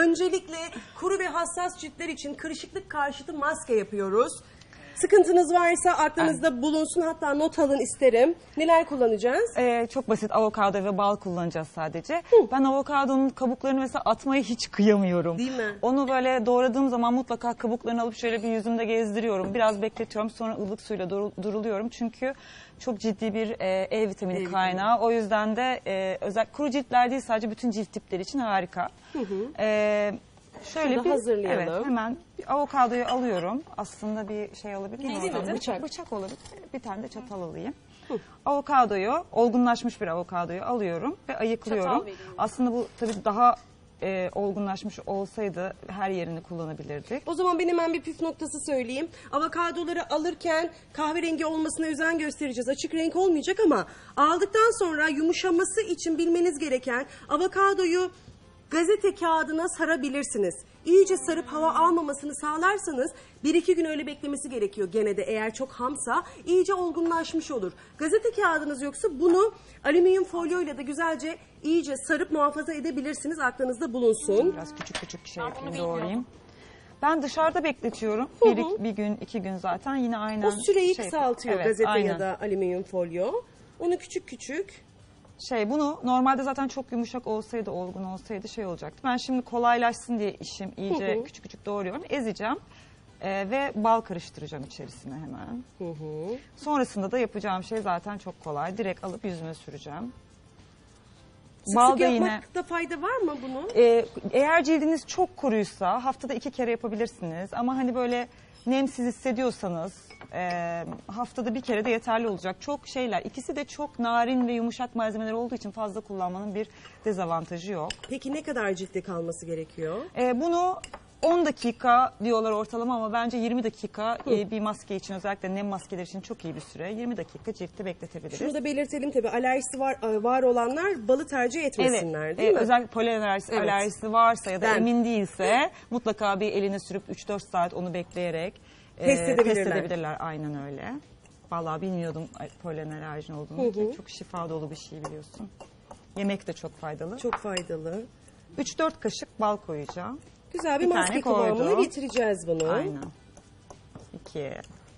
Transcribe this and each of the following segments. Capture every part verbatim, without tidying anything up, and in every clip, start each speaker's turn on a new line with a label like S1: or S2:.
S1: Öncelikle kuru ve hassas ciltler için kırışıklık karşıtı maske yapıyoruz. Sıkıntınız varsa aklınızda bulunsun, hatta not alın isterim. Neler kullanacağız?
S2: Ee, çok basit, avokado ve bal kullanacağız sadece.
S1: Hı.
S2: Ben avokadonun kabuklarını mesela atmayı hiç kıyamıyorum.
S1: Değil mi?
S2: Onu böyle doğradığım zaman mutlaka kabuklarını alıp şöyle bir yüzümde gezdiriyorum. Biraz bekletiyorum, sonra ılık suyla dur duruluyorum. Çünkü çok ciddi bir e, E vitamini
S1: E
S2: kaynağı. O yüzden de e, özel kuru ciltler değil, sadece bütün cilt tipleri için harika.
S1: Hı hı.
S2: Ee, Şöyle
S1: Şunu
S2: bir
S1: hazırlayalım.
S2: Evet, hemen bir avokadoyu alıyorum. Aslında bir şey alabilir miyim?
S1: Değil mi?
S2: oradan?
S1: Bıçak.
S2: Bıçak olabilir. Bir tane de çatal alayım. Avokadoyu, olgunlaşmış bir avokadoyu alıyorum ve ayıklıyorum.
S3: Çatal vereyim.
S2: Aslında bu tabii daha e, olgunlaşmış olsaydı her yerini kullanabilirdik.
S1: O zaman ben hemen bir püf noktası söyleyeyim. Avokadoları alırken kahverengi olmasına özen göstereceğiz. Açık renk olmayacak ama aldıktan sonra yumuşaması için bilmeniz gereken, avokadoyu gazete kağıdına sarabilirsiniz. İyice sarıp hava almamasını sağlarsanız bir iki gün öyle beklemesi gerekiyor gene de, eğer çok hamsa iyice olgunlaşmış olur. Gazete kağıdınız yoksa bunu alüminyum folyoyla da güzelce iyice sarıp muhafaza edebilirsiniz. Aklınızda bulunsun.
S2: Biraz küçük küçük şey
S3: Ben bunu
S2: yapayım,
S3: bilmiyorum.
S2: doğrayayım. Ben dışarıda bekletiyorum.
S1: Hı
S2: Bir,
S1: hı.
S2: bir gün, iki gün zaten yine aynen.
S1: O süreyi
S2: şey-
S1: kısaltıyor
S2: Evet,
S1: gazete
S2: aynen.
S1: ya da alüminyum folyo. Onu küçük küçük.
S2: Şey, bunu normalde zaten çok yumuşak olsaydı, olgun olsaydı şey olacaktı. Ben şimdi kolaylaşsın diye işim iyice
S1: Hı hı.
S2: küçük küçük doğruyorum. Ezeceğim Ee, ve bal karıştıracağım içerisine hemen.
S1: Hı hı.
S2: Sonrasında da yapacağım şey zaten çok kolay. Direkt alıp yüzüme süreceğim.
S1: Sık
S2: Bal
S1: sık
S2: da yine
S1: yapmakta fayda var mı bunun?
S2: e, eğer cildiniz çok kuruysa haftada iki kere yapabilirsiniz. Ama hani böyle nemsiz hissediyorsanız e, haftada bir kere de yeterli olacak. Çok şeyler, ikisi de çok narin ve yumuşak malzemeler olduğu için fazla kullanmanın bir dezavantajı yok.
S1: Peki ne kadar ciltte kalması gerekiyor?
S2: E, bunu on dakika diyorlar ortalama ama bence yirmi dakika e, bir maske için, özellikle nem maskeleri için çok iyi bir süre. yirmi dakika ciltte bekletebiliriz.
S1: Şunu da belirtelim tabii, alerjisi var var olanlar balı tercih etmesinler,
S2: Evet,
S1: değil
S2: e,
S1: mi?
S2: özellikle polen alerjisi,
S1: Evet.
S2: alerjisi varsa ya da
S1: Ben.
S2: emin değilse mutlaka bir eline sürüp üç dört saat onu bekleyerek e,
S1: Test edebilirler.
S2: test edebilirler. Aynen öyle. Vallahi bilmiyordum polen alerjin olduğunu.
S1: Hı hı.
S2: Çok şifa dolu bir şey, biliyorsun. Yemek de çok faydalı.
S1: Çok faydalı.
S2: üç dört kaşık bal koyacağım.
S1: Güzel bir,
S2: Bir
S1: maske
S2: tane koydum.
S1: kıvamına getireceğiz bunu.
S2: Aynen. iki.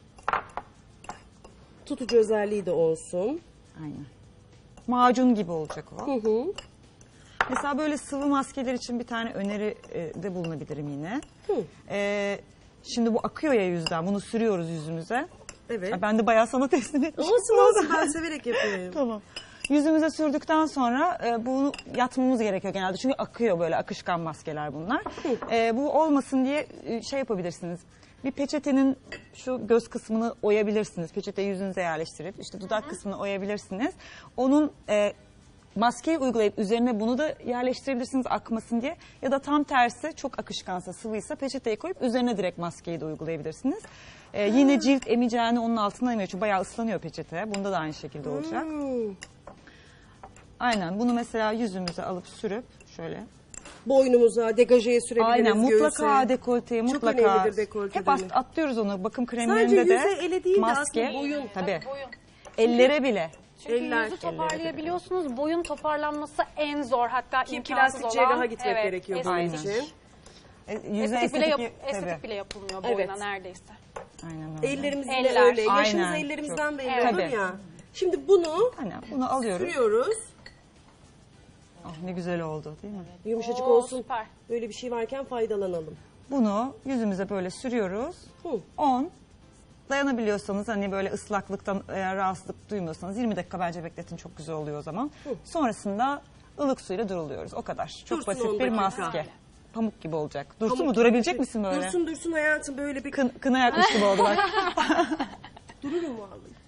S1: Tutucu özelliği de olsun.
S2: Aynen. Macun gibi olacak o.
S1: Hı hı.
S2: Mesela böyle sıvı maskeler için bir tane öneri e, de bulunabilirim yine.
S1: Hı.
S2: E, şimdi bu akıyor ya yüzden. Bunu sürüyoruz yüzümüze.
S1: Evet.
S2: Ha, ben de bayağı sana teslim etmişim.
S1: Olsun olsun, ben severek yapıyorum.
S2: Tamam. Yüzümüze sürdükten sonra e, bunu yatmamız gerekiyor genelde. Çünkü akıyor, böyle akışkan maskeler bunlar. E, bu olmasın diye e, şey yapabilirsiniz. Bir peçetenin şu göz kısmını oyabilirsiniz. Peçeteyi yüzünüze yerleştirip işte dudak kısmını oyabilirsiniz. Onun e, maskeyi uygulayıp üzerine bunu da yerleştirebilirsiniz akmasın diye. Ya da tam tersi, çok akışkansa, sıvıysa peçeteyi koyup üzerine direkt maskeyi de uygulayabilirsiniz. E, yine cilt emeceğini onun altına emiyor. Çünkü bayağı ıslanıyor peçete. Bunda da aynı şekilde olacak.
S1: Hmm.
S2: Aynen, bunu mesela yüzümüze alıp sürüp şöyle.
S1: Boynumuza, degajeye sürebiliriz.
S2: Aynen, mutlaka
S1: göğüse.
S2: dekolteye,
S1: Çok
S2: mutlaka.
S1: önemlidir dekolte
S2: Hep at-
S1: dönemi.
S2: atlıyoruz onu. Bakım
S1: Sadece
S2: kremlerinde
S1: yüze,
S2: de
S1: ele değil de
S2: maske.
S1: aslında boyun.
S2: Tabii.
S3: Boyun.
S2: Ellere bile.
S3: Çünkü
S1: Eller.
S3: yüzü toparlayabiliyorsunuz. Boyun toparlanması en zor, hatta
S1: Ki
S3: imkansız
S1: plastik
S3: olan.
S1: cerraha gitmek
S3: Evet,
S1: gerekiyor bunun
S2: Aynen.
S1: için.
S2: E, yüze
S3: Estetik, bile, yap-
S2: tabii.
S3: estetik bile yapılmıyor
S1: Evet.
S3: boyuna neredeyse.
S2: Aynen öyle.
S1: Ellerimiz yine
S3: Eller.
S1: öyle. Yaşımız
S2: Aynen.
S1: ellerimizden
S2: Çok.
S1: belli
S3: Evet.
S1: olur
S2: Tabii.
S1: ya. Şimdi bunu
S2: Aynen, bunu alıyoruz.
S1: sürüyoruz.
S2: Oh, ne güzel oldu değil mi?
S1: Yumuşacık
S3: Oo,
S1: olsun.
S3: süper.
S1: Böyle bir şey varken faydalanalım.
S2: Bunu yüzümüze böyle sürüyoruz.
S1: Hı.
S2: on. Dayanabiliyorsanız, hani böyle ıslaklıktan eğer rahatsızlık duymuyorsanız yirmi dakika bence bekletin, çok güzel oluyor o zaman.
S1: Hı.
S2: Sonrasında ılık suyla duruluyoruz. O kadar. Çok
S1: Dursun on
S2: basit bir
S1: dakika.
S2: maske. Pamuk gibi olacak. Dursun
S1: Pamuk
S2: mu?
S1: gibi
S2: Durabilecek
S1: bir-
S2: misin böyle?
S1: Dursun dursun hayatım, böyle bir
S2: Kın, kına yakmış gibi oldu bak.
S1: dururum vallahi.